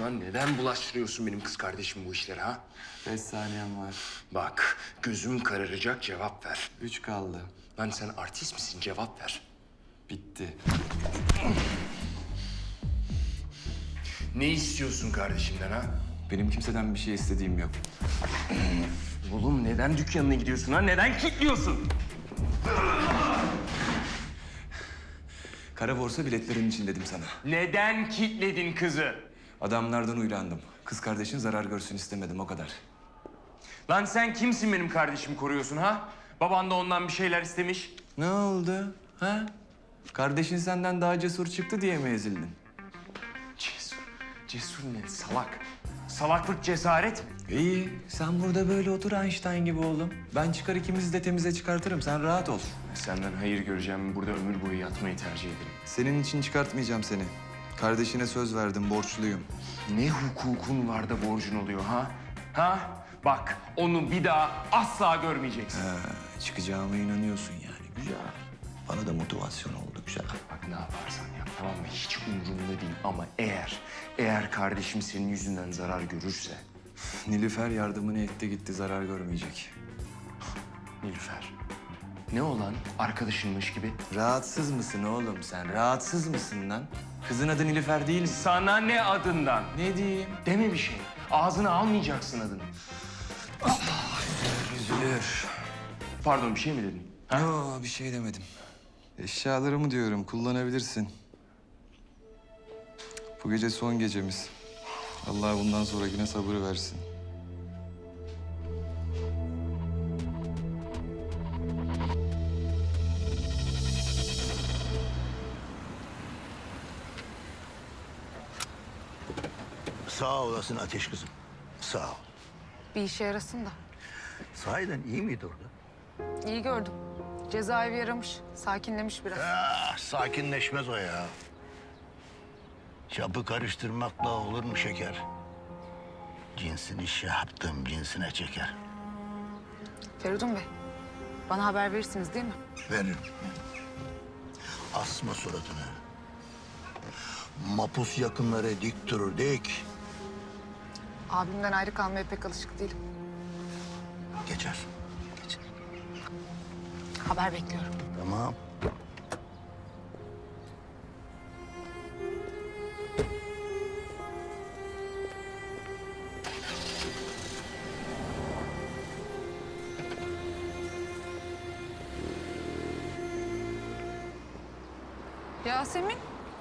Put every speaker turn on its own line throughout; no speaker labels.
Lan neden bulaştırıyorsun benim kız kardeşim bu işlere ha?
5 saniyem var.
Bak gözüm kararacak, cevap ver.
3 kaldı.
Lan sen artist misin, cevap ver.
Bitti.
Ne istiyorsun kardeşimden ha?
Benim kimseden bir şey istediğim yok.
Oğlum neden dükkanına gidiyorsun ha? Neden kilitliyorsun?
Kara borsa biletlerin için dedim sana.
Neden kilitledin kızı?
Adamlardan uylandım. Kız kardeşin zarar görsün istemedim, o kadar.
Lan sen kimsin benim kardeşimi koruyorsun ha? Baban da ondan bir şeyler istemiş.
Ne oldu? Ha? Kardeşin senden daha cesur çıktı diye mi ezildin?
Cesur. Cesur ne? Salak. Salaklık cesaret mi?
İyi, sen burada böyle otur Einstein gibi oğlum. Ben çıkar ikimizi de temize çıkartırım, sen rahat ol.
Senden hayır göreceğim, burada ömür boyu yatmayı tercih ederim.
Senin için çıkartmayacağım seni. Kardeşine söz verdim, borçluyum.
Ne hukukun var da borcun oluyor ha? Ha? Bak onu bir daha asla görmeyeceksin.
Çıkacağıma inanıyorsun yani, güzel. Bana da motivasyon oldu, güzel.
Bak ne yaparsan yap tamam mı? Hiç umurumda değil ama eğer kardeşim senin yüzünden zarar görürse...
Nilüfer yardımını etti gitti, zarar görmeyecek.
Nilüfer. Ne olan? Arkadaşınmış gibi.
Rahatsız mısın oğlum sen? Rahatsız mısın lan? Kızın adı Nilüfer değil mi?
Sana ne adından?
Ne diyeyim?
Deme bir şey. Ağzına almayacaksın adını.
Üzülür.
Pardon bir şey mi dedin? Ha?
Yo, bir şey demedim. Eşyalarımı diyorum, kullanabilirsin. Bu gece son gecemiz. Allah bundan sonrakine sabır versin.
Sağ olasın Ateş kızım. Sağ ol.
Bir işe yarasın da.
Sahiden iyi miydi orada?
İyi gördüm. Cezaevi yaramış, sakinlemiş biraz.
Sakinleşmez o ya. Çapı karıştırmakla olur mu şeker? Cinsini şey yaptım, cinsine çeker.
Feridun Bey, bana haber verirsiniz değil mi?
Veririm. Asma suratını. Mapus yakınları dik durur, dik.
Abimden ayrı kalmaya pek alışık değilim.
Geçer. Geçer.
Haber bekliyorum.
Tamam.
Yasemin.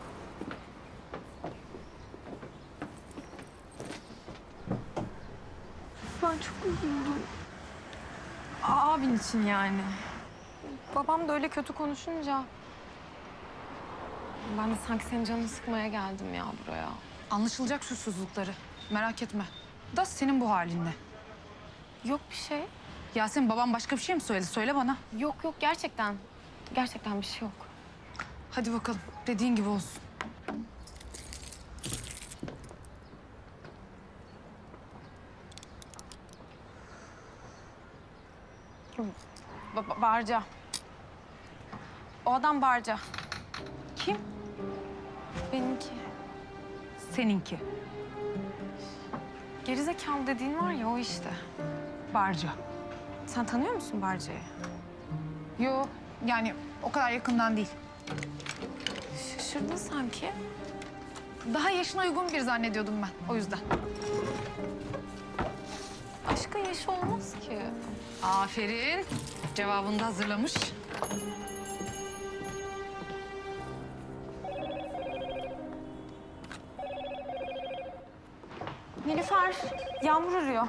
Ben çok üzüldüm. Abin için yani. Babam da öyle kötü konuşunca... Ben de sanki senin canını sıkmaya geldim ya buraya.
Anlaşılacak susuzlukları. Merak etme. Da senin bu halinde.
Yok bir şey.
Yasemin babam başka bir şey mi söyledi? Söyle bana.
Yok yok gerçekten. Gerçekten bir şey yok.
Hadi bakalım. Dediğin gibi olsun.
Barca. O adam Barca.
Kim?
Benimki.
Seninki.
Gerizekalı dediğin var ya o işte.
Barca.
Sen tanıyor musun Barca'yı?
Yo, yani o kadar yakından değil.
Şaşırdın sanki.
Daha yaşına uygun bir zannediyordum ben. O yüzden.
Aşkın yaşı olmaz ki.
Aferin. Cevabını da hazırlamış.
Nilüfer, Yağmur arıyor.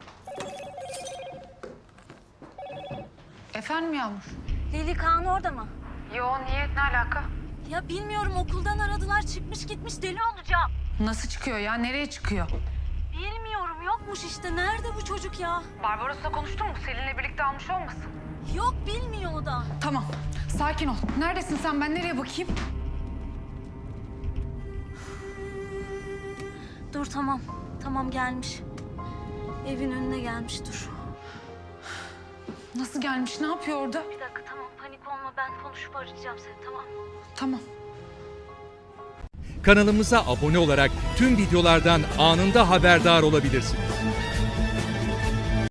Efendim Yağmur?
Lili Kaan orada mı?
Yo, niyet ne alaka?
Ya bilmiyorum okuldan aradılar çıkmış gitmiş deli olacağım.
Nasıl çıkıyor ya? Nereye çıkıyor?
Bilmiyorum yokmuş işte nerede bu çocuk ya?
Barbaros'la konuştun mu? Selin'le birlikte almış olmasın?
Yok bilmiyor o da.
Tamam. Sakin ol. Neredesin sen? Ben nereye bakayım?
Dur tamam. Tamam gelmiş. Evin önüne gelmiş dur.
Nasıl gelmiş? Ne yapıyor orada?
Bir dakika tamam panik olma ben konuşup arayacağım seni tamam.
Tamam.
Kanalımıza abone olarak tüm videolardan anında haberdar olabilirsiniz.